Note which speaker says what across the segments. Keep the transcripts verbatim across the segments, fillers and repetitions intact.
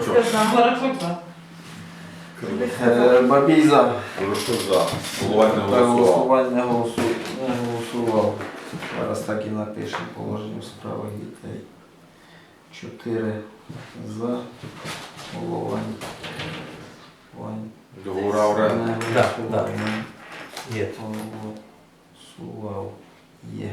Speaker 1: Бурачок.
Speaker 2: Барачок за.
Speaker 3: Е, Бабій за.
Speaker 1: Бурачок за. Головань не
Speaker 3: Так,
Speaker 1: голосував.
Speaker 3: голосувань не голосу- не голосував. Зараз так і напишемо положення в справах дітей. Чотири за. Головань. Вань.
Speaker 1: Договора оренди.
Speaker 3: Не
Speaker 4: Да,
Speaker 3: голосував.
Speaker 4: да.
Speaker 3: Не
Speaker 4: Є.
Speaker 3: голосував. Є.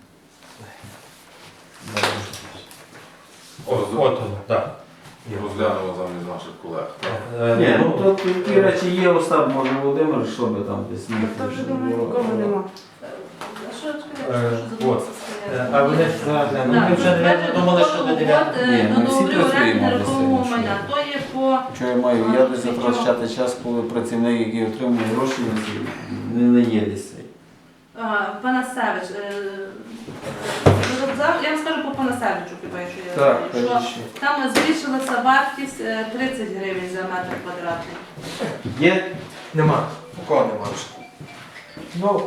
Speaker 4: От, от воно, так. Є.
Speaker 1: Розглянули замість наших колег. так?
Speaker 4: Е,
Speaker 3: Ні,
Speaker 4: ну,
Speaker 3: ну то ті речі є, Остап, може Володимир, що би там десь міг.
Speaker 2: Та вже думаю, нікого нема.
Speaker 5: А що
Speaker 4: Е,
Speaker 5: чекаєте, що
Speaker 4: от.
Speaker 5: задумався
Speaker 4: Е, а вони ж зараз, ну, ми вже не думали, що до дев'ятого.
Speaker 3: Ні,
Speaker 5: Ні,
Speaker 3: ми
Speaker 5: до
Speaker 3: всі
Speaker 5: договорів оренди
Speaker 3: працюємо
Speaker 5: нерухомого
Speaker 3: на
Speaker 5: майна. То є по
Speaker 3: Що я маю? Я десь затрачати час, коли працівник, який отримує гроші, не, не є десь цей.
Speaker 5: а, Панасевич. е, е, за- Я вам скажу по Панасевичу, хіба що я
Speaker 3: Так,
Speaker 5: знаю,
Speaker 3: кажіть
Speaker 5: що
Speaker 3: ще.
Speaker 5: там збільшилася вартість е, тридцять гривень за метр квадратний.
Speaker 4: Є? Нема. У кого нема вже? Ну,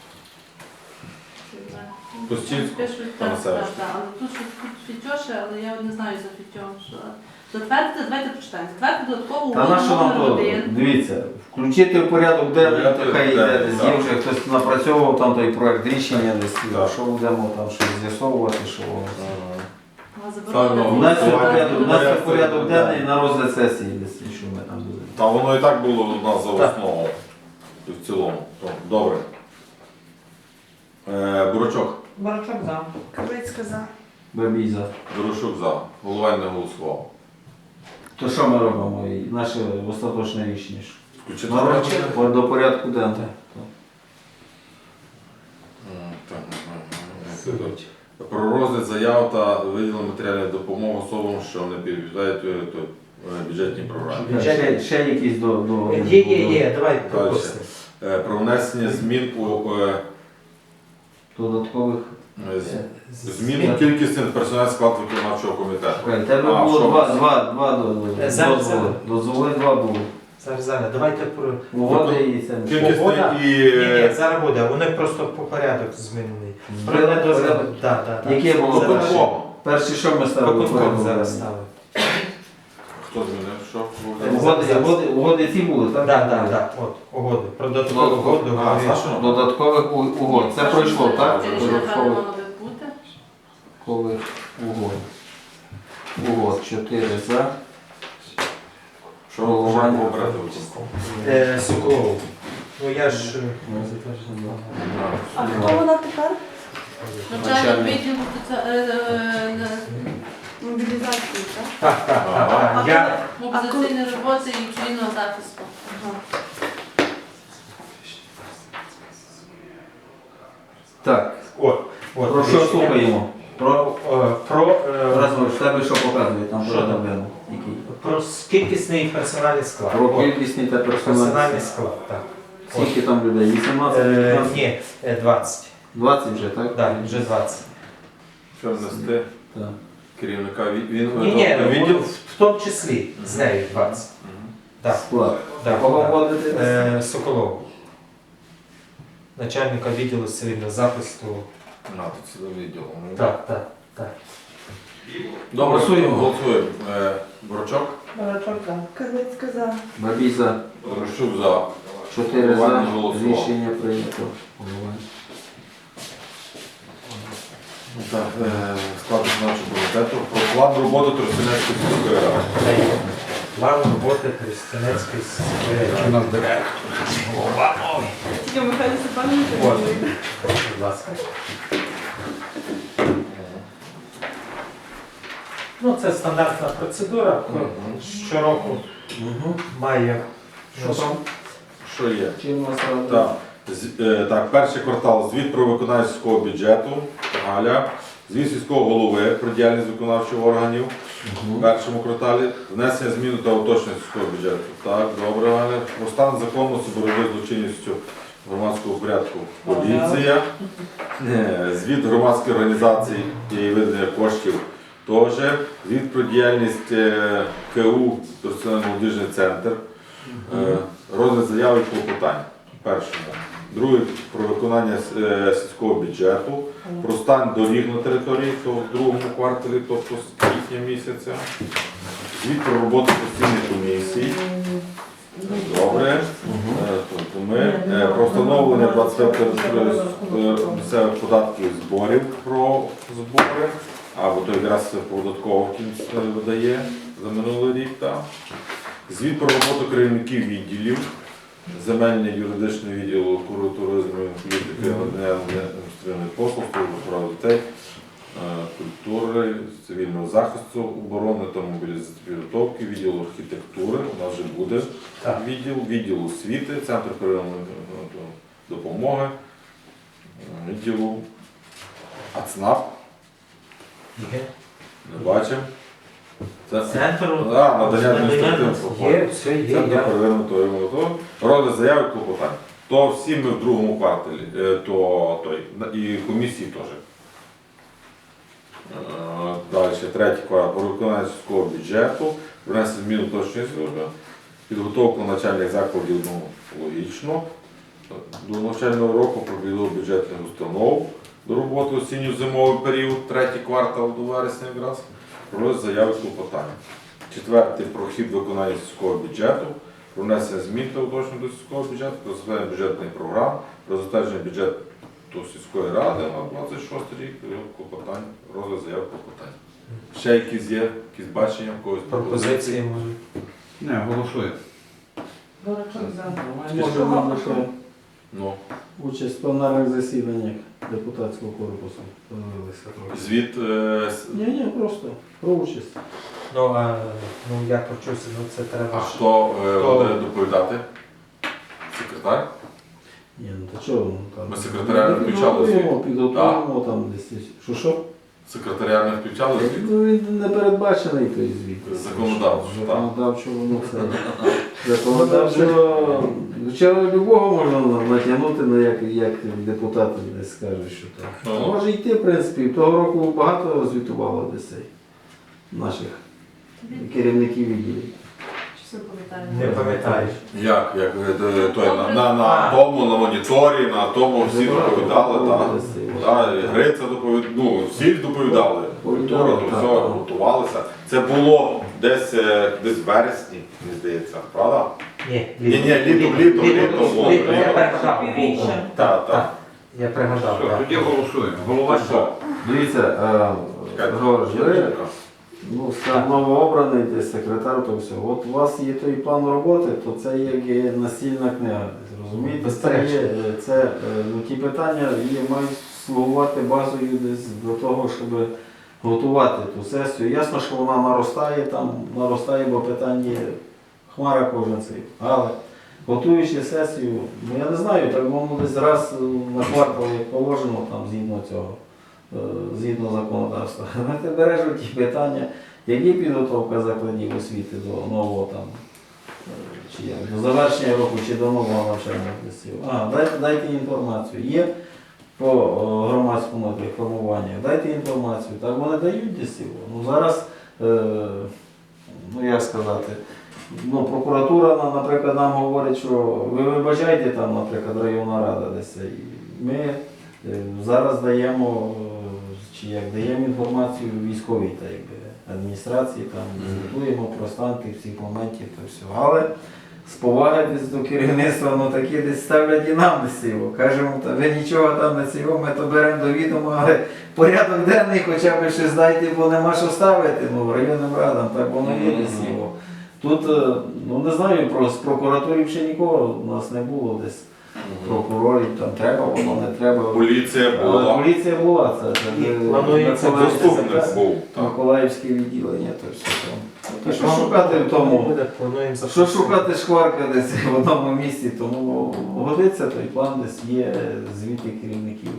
Speaker 1: Пустінську,
Speaker 5: Пишуть, так,
Speaker 1: Панасевич.
Speaker 5: так, так. Але тут щось тут фітьоше, але я не знаю за фітьом. Що... Затвердити, давайте прочитаємо. Затвердити додаткову
Speaker 3: Та
Speaker 5: угоду
Speaker 3: на що нам
Speaker 5: номер
Speaker 3: то?
Speaker 5: один.
Speaker 3: Дивіться, включити в порядок денний,
Speaker 1: Порядок
Speaker 3: то хай йде
Speaker 1: денний,
Speaker 3: десь.
Speaker 1: так.
Speaker 3: Є вже хтось напрацьовував там той проект рішення десь,
Speaker 1: Так.
Speaker 3: що будемо там щось з'ясовувати, що воно.
Speaker 5: А заборонено
Speaker 1: Ставимо.
Speaker 3: У нас є
Speaker 1: Голосування.
Speaker 3: порядок, у нас є
Speaker 1: Порядок
Speaker 3: порядок
Speaker 1: денний.
Speaker 3: денний на розгляд сесії десь, що ми там будемо.
Speaker 1: Та воно і так було у нас за
Speaker 4: Так.
Speaker 1: основу. І в цілому. То, Добре. Е, Бурачок.
Speaker 2: Барачок за.
Speaker 6: Кавицька за.
Speaker 3: Бабій за.
Speaker 1: Бурачок за. Головань не голосував.
Speaker 3: То що ми робимо? І наше остаточне рішення? що?
Speaker 1: Включити
Speaker 3: На
Speaker 1: порядок
Speaker 3: розгляд
Speaker 1: денний?
Speaker 3: до порядку денного.
Speaker 1: М, так, м, м, м.
Speaker 4: суть.
Speaker 1: Про розгляд заяв та виділення матеріальної допомоги особам, що не підпадають е, то, е, бюджетній програмі.
Speaker 3: Ще, ще якісь до... до
Speaker 4: Є, є, є, давай пропустимо.
Speaker 1: Е, Про внесення змін у е,
Speaker 3: додаткових...
Speaker 1: е, з- змін у кількісний персональний склад виконавчого комітету.
Speaker 3: Чекай, тебе
Speaker 1: А,
Speaker 3: було
Speaker 1: що?
Speaker 3: два, два, два до- до-
Speaker 4: Е, зараз,
Speaker 3: дозволи.
Speaker 4: зараз.
Speaker 3: Дозволи два було.
Speaker 4: Зараз, зараз, давайте про...
Speaker 3: Угоди і це.
Speaker 1: Кількісний
Speaker 4: Угода?
Speaker 1: і...
Speaker 4: Ні, ні,
Speaker 1: е,
Speaker 4: зараз буде, вони просто по порядок змінений.
Speaker 3: Порядок,
Speaker 4: Про-
Speaker 3: порядок.
Speaker 4: Так, так, так.
Speaker 3: Яке було
Speaker 4: Зараз.
Speaker 3: перше? Перші, що ми ставили?
Speaker 4: Виконком
Speaker 3: порядок
Speaker 4: зараз
Speaker 3: денний?
Speaker 4: ставив.
Speaker 1: Хто змінив? Що?
Speaker 3: Угоди, угоди, угоди ці були, так?
Speaker 4: Так, так, так, от, угоди. Про додаткову
Speaker 3: Додатково.
Speaker 4: угоду.
Speaker 1: А,
Speaker 4: говорили.
Speaker 1: Саша?
Speaker 3: Додаткових у- угод. Це пройшло, так?
Speaker 5: Це рішення напевно
Speaker 3: Додаткових
Speaker 5: мало би бути.
Speaker 3: угод. Угод. Чотири за.
Speaker 1: Що ви вже пообрати виконком?
Speaker 4: Е, Соколов. Ну я ж... е,
Speaker 6: А хто вона тепер?
Speaker 5: Навчальний
Speaker 3: Начальник.
Speaker 5: відділ соці- е, е,
Speaker 6: Мобілізації, так?
Speaker 4: Так, так,
Speaker 1: Ага.
Speaker 4: так. Я...
Speaker 5: мобілізаційної роботи і цивільного захисту.
Speaker 6: Ага.
Speaker 3: Так.
Speaker 4: От, от.
Speaker 3: Про що слухаємо? Про...
Speaker 4: Е, Про... е,
Speaker 3: Разом, в тебе що показує там
Speaker 4: Що
Speaker 3: порядок
Speaker 4: там?
Speaker 3: денний? Який?
Speaker 4: Про кількісний персональний склад.
Speaker 3: Про
Speaker 4: От,
Speaker 3: кількісний та
Speaker 4: персональний
Speaker 3: персональний.
Speaker 4: склад, так.
Speaker 3: Скільки там людей? вісімнадцять?
Speaker 4: Е,
Speaker 3: п'ятнадцять?
Speaker 4: ні, е, двадцять.
Speaker 3: двадцять вже, так?
Speaker 4: Так, вже двадцять.
Speaker 1: Що внести?
Speaker 3: Так.
Speaker 1: Керівника від- він
Speaker 4: Ні, ні,
Speaker 1: відділ?
Speaker 4: в в тому числі з нею двадцять.
Speaker 1: Мгм.
Speaker 4: Так,
Speaker 3: Склад.
Speaker 4: так.
Speaker 3: Кого
Speaker 4: так.
Speaker 3: вводити?
Speaker 4: Е, Соколов. Начальника відділу цивільного захисту.
Speaker 1: На, тут цілий відділ. Ну,
Speaker 4: Так, так, так.
Speaker 1: Добре,
Speaker 3: Голосуємо.
Speaker 1: голосуємо. Е, Бурачок?
Speaker 2: Барачок за.
Speaker 6: Кавицька за.
Speaker 3: Бабій за.
Speaker 1: Бурачук за.
Speaker 3: Чотири за.
Speaker 1: Голованя голосував.
Speaker 3: Рішення прийнято. Голованя.
Speaker 1: Так, е, склад виконавчого комітету. Про план роботи Тростянецької сільської ради.
Speaker 4: Та й план роботи Тростянецької сільської ради.
Speaker 6: Тільки Михайло Степанович.
Speaker 4: От. Будь ласка. Ну, це стандартна процедура.
Speaker 1: Мгм.
Speaker 4: Щороку має.
Speaker 3: Що там?
Speaker 1: Що є?
Speaker 3: Чим у нас рада?
Speaker 1: Так. З- е, так, перший квартал. Звіт про виконання сільського бюджету. Галя. Звіт сільського голови про діяльність виконавчих органів. В першому кварталі внесення змін та уточнення сільського бюджету. Так, добре, Галя. Про стан законності боротьби з злочинністю громадського порядку. Поліція. Е, Звіт громадської організації і видання коштів. Теж. Звіт про діяльність е, КУ Тростянецький молодіжний центр. Е, Розгляд заяви і клопотань. В першому. Друге про виконання е, сільського бюджету, про стан доріг на території, то в другому кварталі, тобто з квітня місяця. Звіт про роботу постійних комісій. Добре. Е, Тобто ми е, про встановлення двадцять п'ятого місцевих податків і зборів про збори, або то якраз податково в кінці видає за минулий рік. Так. Звіт про роботу керівників відділів, земельний юридичний відділ культури, туризму, політики, надання адміністративних послуг, служби прав дітей, е, культури, цивільного захисту, оборони та мобілізації підготовки, відділ архітектури, у нас вже буде
Speaker 4: Так.
Speaker 1: відділ, відділ освіти, центр первинної допомоги, е, відділу АЦНАП,
Speaker 4: Є.
Speaker 1: не бачимо. Це
Speaker 4: Центр.
Speaker 1: да, надання адміністративних послуг.
Speaker 4: Є, все є.
Speaker 1: Центр
Speaker 4: я-
Speaker 1: первинної допомоги. Розгляд заяви клопотань. То всі ми в другому кварталі, е, то той, на- і комісії теж. Е, Далі, третій квартал, про виконання сільського бюджету, внесення змін у точної служби, підготовку начальних закладів, ну, логічно, до навчального року про підготовку бюджетних установ, до роботи осінньо-зимовий період, третій квартал до вересня якраз, про заяви клопотання. Четвертий про хід виконання сільського бюджету, про внесення змін та уточнень до сільського бюджету, про затвердження бюджетних програм, про затвердження бюджету сільської ради на двадцять шостий рік, період клопотань, розгляд заяв клопотань. Ще якісь є, якісь бачення, в когось
Speaker 4: Пропозиції може.
Speaker 7: Не, голосує.
Speaker 2: Дурачок за.
Speaker 3: Можемо лише
Speaker 1: Ну,
Speaker 3: участь в пленарних засіданнях депутатського корпусу.
Speaker 4: Помилилися трохи.
Speaker 1: звіт е, с-
Speaker 3: Ні, ні, просто про участь.
Speaker 4: Ну, а, ну я почувся, ну це
Speaker 1: а
Speaker 4: треба ж.
Speaker 1: хто е,
Speaker 4: Хто?
Speaker 1: буде доповідати? Секретар?
Speaker 3: Ні, ну то чого? ну, там,
Speaker 1: Ми секретаря не включали
Speaker 3: Підготуємо,
Speaker 1: звіт?
Speaker 3: підготуємо там десь. Що що?
Speaker 1: Секретаря не включали звіт?
Speaker 3: Ну, він не передбачений той звіт.
Speaker 1: Законодавчо, так.
Speaker 3: Законодавчо, ну це. Законодавчо. Хоча любого можна натягнути, на як, як депутат десь скаже, що так.
Speaker 1: Ну.
Speaker 3: Може йти, в принципі. Того року багато звітувало десь цей наших керівників відділів.
Speaker 5: Чи все пам'ятаю?
Speaker 4: Не пам'ятаєш.
Speaker 1: Як? Як е, той, на, на, на тому, на моніторі, на тому всі доповідали, так. Да, і Гриця доповідала, ну, всі доповідали. Культура, то
Speaker 3: Так,
Speaker 1: все,
Speaker 3: так.
Speaker 1: готувалися. Це було десь, е, десь в вересні, мені здається, правда?
Speaker 4: Ні,
Speaker 1: Ні, ні, літом, літом, літом було.
Speaker 4: Літом, я пригадав.
Speaker 2: Півріччя.
Speaker 1: Так, так.
Speaker 4: Я пригадав,
Speaker 7: Все,
Speaker 4: так.
Speaker 7: тоді голосуємо. Голова що?
Speaker 3: Дивіться, е, Григорій, ви ну, скажімо, новообраний десь секретар, то все. От у вас є той план роботи, то це є є настільна книга. Розумієте? Це, є, е, це е, ну, ті питання є, мають слугувати базою десь до того, щоб готувати ту сесію. Ясно, що вона наростає, там наростає, бо питань є хмара кожен цей. Але готуючи сесію, ну я не знаю, так воно десь раз на квартал, як положено, там згідно цього. е, Згідно законодавства, ти береш ті питання, які підготовка закладів освіти до нового там, е, чи як, до завершення року, чи до нового навчального класів. А, дайте, дайте інформацію. Є по е, громадському формуванню, дайте інформацію. Так вони дають десь його. Ну зараз, е, ну як сказати, ну, прокуратура, на- наприклад, нам говорить, що ви вибачайте там, наприклад, районна рада десь. І ми е, зараз даємо, е, чи як даємо інформацію військовій та якби, адміністрації, там звітуємо про стан тих всіх моментів та все. Але з поваги десь до керівництва, ну такі десь ставлять і нам десь його. Кажемо, та ви нічого там не цього, ми то беремо до відома, але порядок денний хоча б щось дайте, бо нема що ставити, ну районним радам, так воно є десь його. Тут, е, ну не знаю, про з прокуратурів ще нікого у нас не було десь. Прокурорів там треба, воно не треба.
Speaker 1: Поліція
Speaker 3: Але
Speaker 1: була,
Speaker 3: поліція була, це, це,
Speaker 4: І
Speaker 3: це
Speaker 4: планується
Speaker 3: Миколаївське
Speaker 1: заступник
Speaker 3: це-
Speaker 1: був. Так.
Speaker 3: Миколаївське відділення, то все там. Та що шукати в тому?
Speaker 4: Буде, плануємо
Speaker 3: Що
Speaker 4: запустити.
Speaker 3: шукати шкварка десь в одному місці, тому годиться той план, десь є звіти керівників.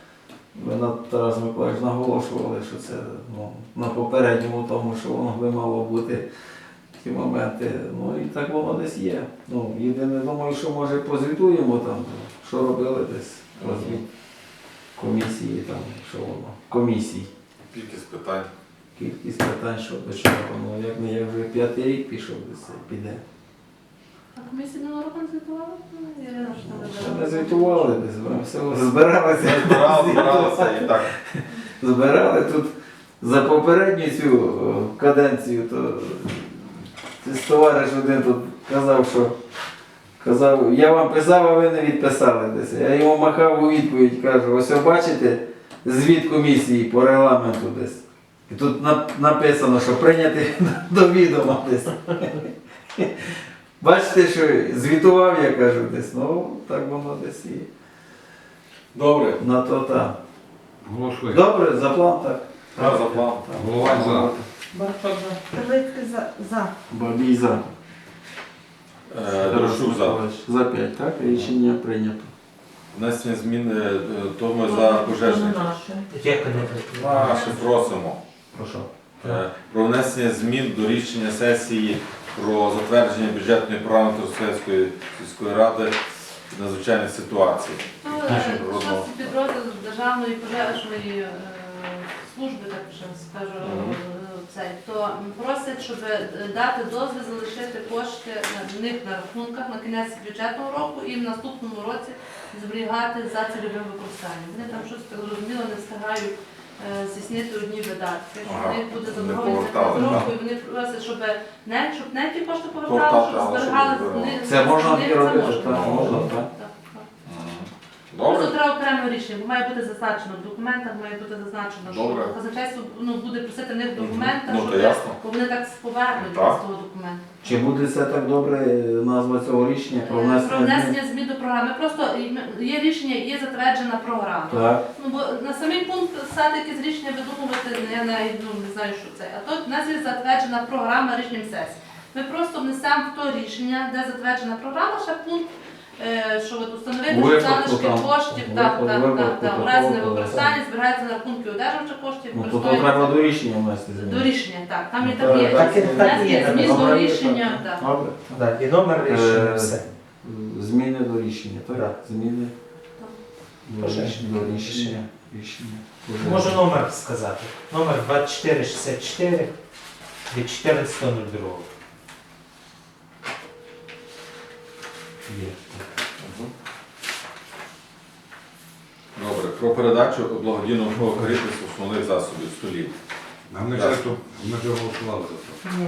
Speaker 3: Ви на Тарас Миколаївич наголошували, що це ну, на попередньому тому, що воно би мало бути ті моменти. Ну і так воно десь є. Ну, єдине, думаю, що може позвітуємо там, що робили десь розвід комісії, там, що воно, комісій.
Speaker 1: кількість питань.
Speaker 3: Кількість питань, що до чого, ну як не як вже п'ятий рік пішов, десь це піде.
Speaker 5: А комісія минулого року не звітувала? Ну, Ірина ж там
Speaker 3: Ще не
Speaker 5: вибирала.
Speaker 3: звітували десь, ви все збиралися.
Speaker 1: Збирали, збиралися і так.
Speaker 3: Збирали тут за попередню цю о, каденцію, то цей товариш один тут казав, що казав, я вам писав, а ви не відписали десь. Я йому махав у відповідь, кажу, ось ви бачите звіт комісії по регламенту десь. І тут на- написано, що прийняти до відома десь. Бачите, що звітував, я кажу, десь. Ну, так воно десь і
Speaker 1: Добре.
Speaker 3: на то так.
Speaker 7: Голосуємо.
Speaker 3: Добре, за план так.
Speaker 1: Так, за план.
Speaker 7: Головань за.
Speaker 2: Борочок за.
Speaker 6: Таблицька за. За.
Speaker 3: Бабій за.
Speaker 1: Е, Дорошук за.
Speaker 3: За п'ять, так? Рішення прийнято.
Speaker 1: Внесення змін, е, то ми за пожежних.
Speaker 2: Наше.
Speaker 1: Наше просимо.
Speaker 3: Прошу.
Speaker 1: Е, Про внесення змін до рішення сесії про затвердження бюджетної програми Тростянської сільської ради з надзвичайних ситуацій.
Speaker 5: Ну,
Speaker 1: Наші
Speaker 5: е,
Speaker 1: природного.
Speaker 5: щось підрозділ Державної пожежної е, служби, так вже скажу,
Speaker 1: Мгм.
Speaker 5: е, цей, то просять, щоб е, дати дозвіл залишити кошти на в них на рахунках на кінець бюджетного року і в наступному році зберігати за цільовим використанням. Вони там щось так зрозуміло не встигають е, здійснити одні видатки, що
Speaker 1: Ага.
Speaker 5: в них буде
Speaker 1: Не
Speaker 5: заборгованість
Speaker 1: повертали,
Speaker 5: на року,
Speaker 1: так.
Speaker 5: і вони просять, щоб не, щоб не ті кошти повертали,
Speaker 1: Повертали,
Speaker 5: щоб
Speaker 1: але щоб
Speaker 5: зберігали
Speaker 1: зберігали.
Speaker 5: вони-
Speaker 3: Це можна
Speaker 5: вони-
Speaker 3: і робити,
Speaker 5: можна.
Speaker 3: так, можна, так.
Speaker 5: Так, так.
Speaker 1: Добре.
Speaker 5: Просто треба окреме рішення, бо має бути зазначено в документах, має бути зазначено,
Speaker 1: Добре.
Speaker 5: що казначейство ну, буде просити в них в документах,
Speaker 1: Ну, то
Speaker 5: щоб
Speaker 1: ясно.
Speaker 5: бо вони так повернуть
Speaker 1: Так.
Speaker 5: з того документу.
Speaker 3: Чи буде це так добре назва цього рішення про
Speaker 5: Е, Про
Speaker 3: внесення змін?
Speaker 5: внесення змін до програми. Просто є рішення, є затверджена програма.
Speaker 3: Так.
Speaker 5: Ну бо на самий пункт писати якісь рішення видумувати, я навіть ну, не знаю, що це. А тут в нас є затверджена програма рішенням сесії. Ми просто внесемо в то рішення, де затверджена програма, ще пункт, е, що от установити, що
Speaker 3: Випадку
Speaker 5: залишки
Speaker 3: там,
Speaker 5: коштів,
Speaker 3: випадку-
Speaker 5: так, так, так,
Speaker 3: випадку
Speaker 5: так, у
Speaker 3: такого,
Speaker 5: разі
Speaker 3: то
Speaker 5: невикористання зберігаються на рахунки одержувача коштів,
Speaker 3: Ну, то то
Speaker 5: використовуються
Speaker 3: треба до рішення внести
Speaker 5: до
Speaker 3: зміни.
Speaker 5: рішення, так, там і
Speaker 3: Ну,
Speaker 5: так є.
Speaker 3: так,
Speaker 2: так і- так і є,
Speaker 5: Внесення змін
Speaker 2: там
Speaker 5: до
Speaker 2: добре,
Speaker 5: рішення, так.
Speaker 3: Добре.
Speaker 2: Так, і номер рішення,
Speaker 3: Е,
Speaker 2: все.
Speaker 3: Зміни до рішення, так?
Speaker 2: Так.
Speaker 3: Зміни до
Speaker 2: Пожежне.
Speaker 3: рішення. До рішення. Рішення.
Speaker 2: Можу номер сказати. Номер двадцять чотири шістдесят чотири від чотирнадцятого другого.
Speaker 3: Є.
Speaker 1: Добре. Про передачу благодійного користування основних засобів столів.
Speaker 7: А ми
Speaker 1: Так.
Speaker 7: ж то- ми ж голосували за це.